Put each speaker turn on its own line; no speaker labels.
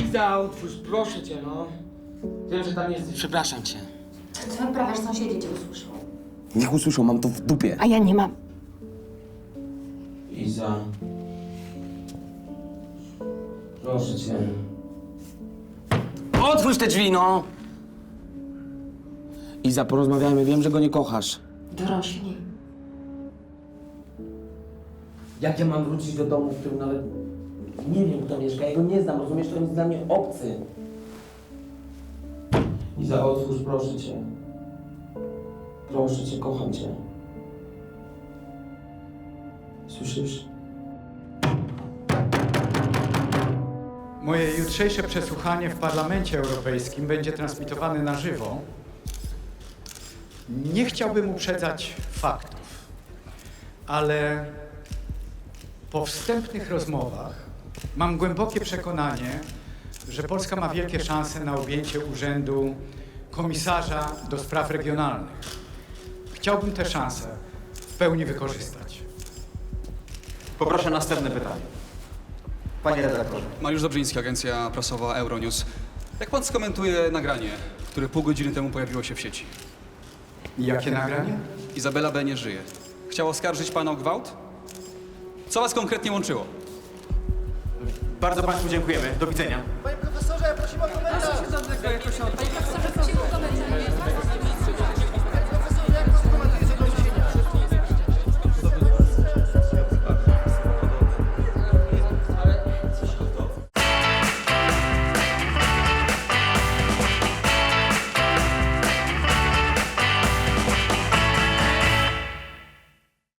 Iza, otwórz, proszę cię, no. Wiem, że tam jesteś. Przepraszam cię.
Co wyprawiasz, sąsiedzi cię usłyszą.
Niech usłyszą, mam to w dupie.
A ja nie mam.
Iza. Proszę cię. Otwórz te drzwi, no! Iza, porozmawiajmy. Wiem, że go nie kochasz.
Dorośli.
Jak ja mam wrócić do domu, w którym nawet nie wiem, kto mieszka? Ja go nie znam, rozumiesz? To jest dla mnie obcy. Iza, otwórz, proszę cię. Proszę cię, kocham cię. Słyszysz?
Moje jutrzejsze przesłuchanie w Parlamencie Europejskim będzie transmitowane na żywo. Nie chciałbym uprzedzać faktów, ale po wstępnych rozmowach mam głębokie przekonanie, że Polska ma wielkie szanse na objęcie urzędu komisarza do spraw regionalnych. Chciałbym tę szansę w pełni wykorzystać.
Poproszę następne pytanie. Panie redaktorze.
Mariusz Dobrzyński, agencja prasowa Euronews. Jak pan skomentuje nagranie, które pół godziny temu pojawiło się w sieci?
Jakie nagranie?
Izabela B. nie żyje. Chciała oskarżyć pana o gwałt? Co was konkretnie łączyło?
Bardzo Państwu dziękujemy. Do widzenia.
Panie profesorze, prosimy o komentarz!
Panie profesorze, prosimy o komentarz.